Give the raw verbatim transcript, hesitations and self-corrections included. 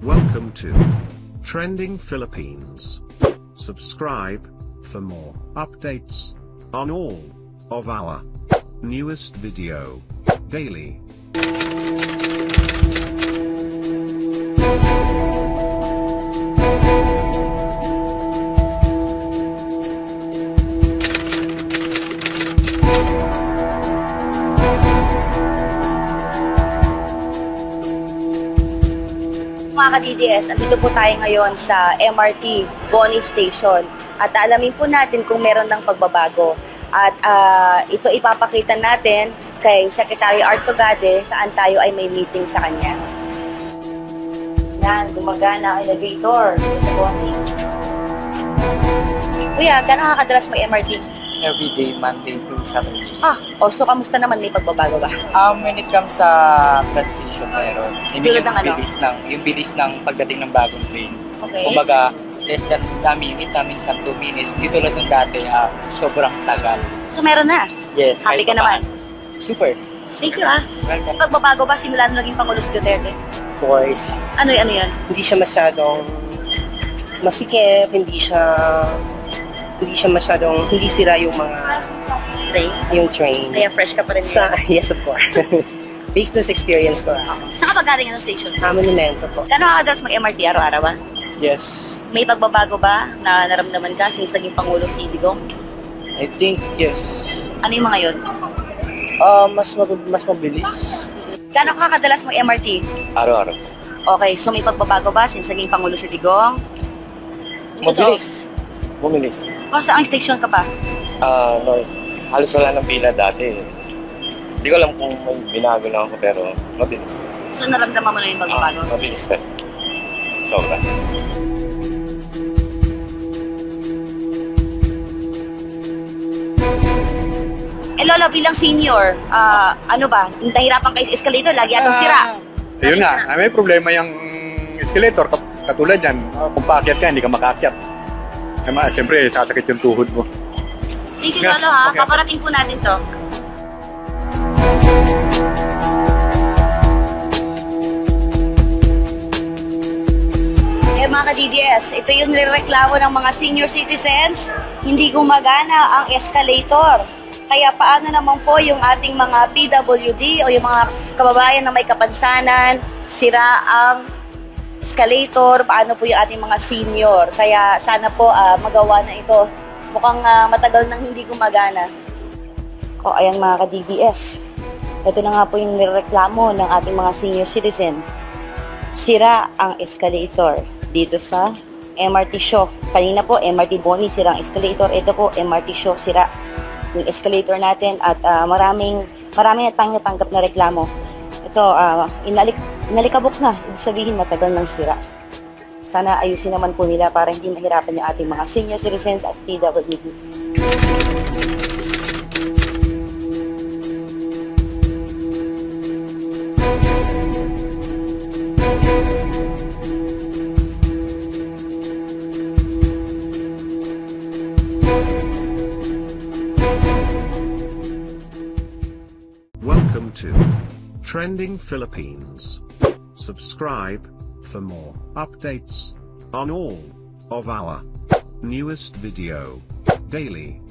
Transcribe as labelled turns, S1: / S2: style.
S1: Welcome to Trending Philippines. Subscribe for more updates on all of our newest video daily.
S2: Mga ka-D D S, andito po tayo ngayon sa M R T Boni Station at alamin po natin kung meron ng pagbabago. At uh, ito ipapakita natin kay Secretary Art Tugade saan tayo ay may meeting sa kanya. Yan, gumagana ang elevator dito sa Boni. Kuya, gano'n kakadalas mag M R T?
S3: Everyday, Monday to Saturday.
S2: Ah, o so kamusta naman, may pagbabago ba?
S3: Um, when it comes sa transition, meron. I mean,
S2: Tulad
S3: yung
S2: ng ano?
S3: bilis ng, yung bilis ng pagdating ng bagong train.
S2: Okay.
S3: Kumbaga, less than a minute namin sa two minutes. Di tulad ng dati, ah, sobrang tagal.
S2: So meron na.
S3: Yes.
S2: Happy
S3: kahit
S2: ka naman?
S3: papaano. Super.
S2: Thank you ah.
S3: Welcome.
S2: Pagbabago ba simula nung naging Pangulo si Duterte?
S4: Of course,
S2: Ano ano yan?
S4: hindi siya masyadong masikip, hindi siya hindi siya masyadong hindi sira yung mga
S2: Ray?
S4: yung train.
S2: Kaya fresh ka pa rin.
S4: Sa yes of course. Based on sa experience ko, ah,
S2: Saan ka ba galing ng station?
S4: ah, monumento po.
S2: Gano'n kakadalas mag-M R T araw-araw ba?
S3: Yes.
S2: May pagbabago ba na naramdaman ka since naging Pangulo si Digong?
S3: I think, yes.
S2: Ano yung mga yun?
S3: Uh, mas, mab- mas mabilis.
S2: Gano'n ka kadalas mag-M R T?
S3: Araw-araw.
S2: Okay, so may pagbabago ba since naging Pangulo si Digong?
S3: Mabilis. Bumilis.
S2: O saan station ka pa?
S5: Ah, no, halos wala ng pila dati. Hindi ko alam kung may binago lang ako pero mabilis.
S2: So naramdaman mo na yung pagbabago?
S5: Ah, mabilis na. Sobra.
S2: Eh Lola, bilang senior, ah, ano ba? Nahirapan kayo sa escalator, lagi atong sira.
S6: Ayun
S2: Lagi
S6: nga,
S2: sira.
S6: ah, may problema yung escalator. Kat- Katulad yan, ah, kung paakyat ka, hindi ka makaakyat. Kaya siyempre, sasakit yung tuhod mo.
S2: Thank you,
S6: Yeah,
S2: Lolo ha.
S6: okay.
S2: Paparating po natin to. Eh mga ka-D D S, ito yung nireklamo ng mga senior citizens. Hindi gumagana ang escalator. Kaya paano naman po yung ating mga P W D o yung mga kababayan na may kapansanan, sira ang escalator, paano po yung ating mga senior. Kaya sana po ah, magawa na ito. Mukhang ah, matagal nang hindi gumagana. O ayan mga ka-D D S, ito na nga po yung nireklamo ng ating mga senior citizen. Sira ang escalator dito sa M R T Shaw. Kanina po, M R T Boni, sira ang escalator. Ito po, M R T Shaw, sira yung escalator natin at ah, maraming maraming natanggap na reklamo. Ito, ah, inalik, inalikabok na. Ibig sabihin, matagal nang sira. Sana ayusin naman po nila para hindi mahirapan yung ating mga senior citizens at P W D.
S1: Welcome to Trending Philippines. Subscribe for more updates on all of our newest video daily.